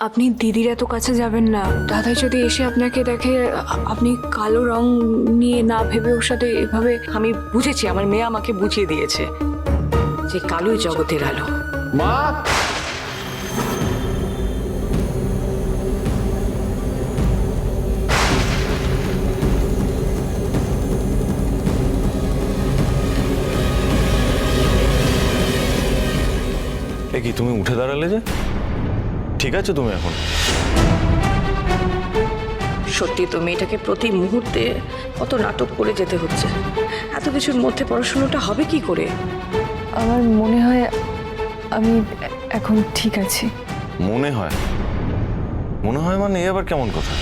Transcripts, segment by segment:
আপনি দিদির এত কাছে যাবেন না। দাদা যদি এসে আপনাকে দেখে আপনি কালো রং নিয়ে না ভেবে ওর সাথে এভাবে। আমি বুঝেছি, আমার মেয়ে আমাকে বুঝিয়ে দিয়েছে যে কালোই জগতের আলো। মা, এ কি তুমি উঠে দাঁড়ালে যে? ঠিক আছে তুমি এখন? সত্যি তো মেয়েটাকে প্রতি মুহূর্তে কত নাটক করে যেতে হচ্ছে। এত কিছুর মধ্যে পড়াশোনাটা হবে কি করে? আমার মনে হয় আমি এখন ঠিক আছি। মনে হয়? মনে হয় মানে এ আবার কেমন কথা?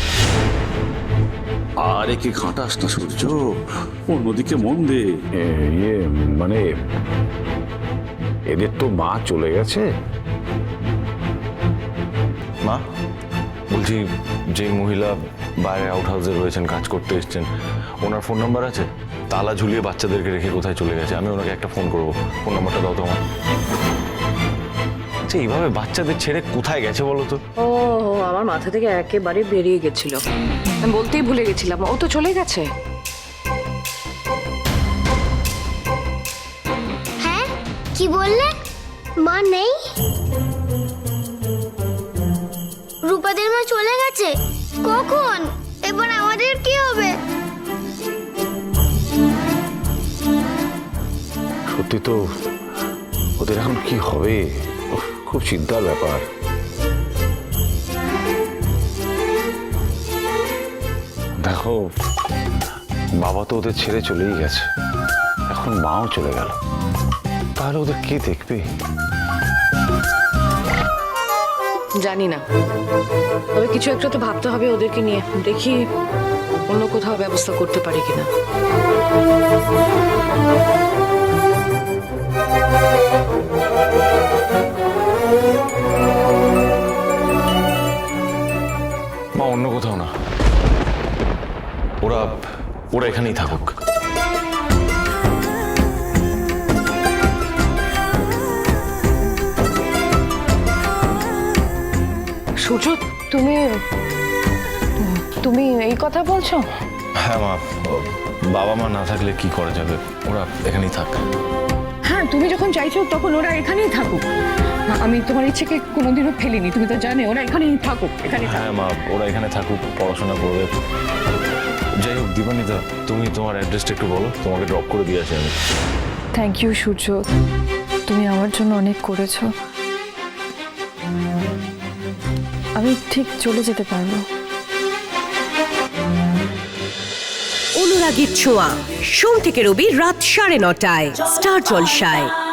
আরে কি ঘাঁটাস না সূর্য, অন্যদিকে মন দে। মানে এদের তো মা চলে গেছে। মা, বলছি যে মহিলা বাইরে আউট হাউসে রয়েছেন, কাজ করতে এসছেন, ওনার ফোন নাম্বার আছে? তালা ঝুলিয়ে বাচ্চাদেরকে রেখে কোথায় চলে গেছে? আমি ওনাকে একটা ফোন করবো। ফোন নাম্বারটা দাও তো আমার। আচ্ছা, এইভাবে বাচ্চাদের ছেড়ে কোথায় গেছে বলো তো? ও, আমার মাথা থেকে একেবারে বেরিয়ে গেছিল, আমি বলতেই ভুলে গেছিলাম। ও তো চলে গেছে। হ্যাঁ, কি বললে? মা নেই? রূপাদের মা চলে গেছে? কখন? এবার আমাদের কি হবে? সত্যি তো, ওদের এখন কি হবে? উফ, খুব চিন্তার ব্যাপার। দেখো, বাবা তো ওদের ছেড়ে চলেই গেছে, এখন মাও চলে গেল, তাহলে ওদের কে দেখবে? জানি না, তবে কিছু একটা তো ভাবতে হবে ওদেরকে নিয়ে। দেখি অন্য কোথাও ব্যবস্থা করতে পারি কিনা। মা, অন্য কোথাও না, ওরা ওরা এখানেই থাকুক। সূর্য, তুমি তুমি এই কথা বলছো? হ্যাঁ মা, বাবা মা না থাকলে কি করা যাবে, ওরা এখানেই থাক। হ্যাঁ, তুমি যখন চাইছো তখন ওরা এখানেই থাকুক। আমি তোমার ইচ্ছেকে কোনোদিনও ফেলিনি, তুমি তো জানো। ওরা এখানেই থাকুক, এখানেই থাকুক। হ্যাঁ মা, ওরা এখানে থাকুক, পড়াশোনা করবে। যাই হোক দীপানিতা, তুমি তোমার অ্যাড্রেসটা একটু বলো, তোমাকে ড্রপ করে দিয়ে আসি আমি। থ্যাংক ইউ সূর্য, তুমি আমার জন্য অনেক করেছো। আমি ঠিক চলে যেতে পারবো। অনুরাগীর ছোঁয়া, সোম থেকে রবি রাত 9:30টায় স্টার জলসায়।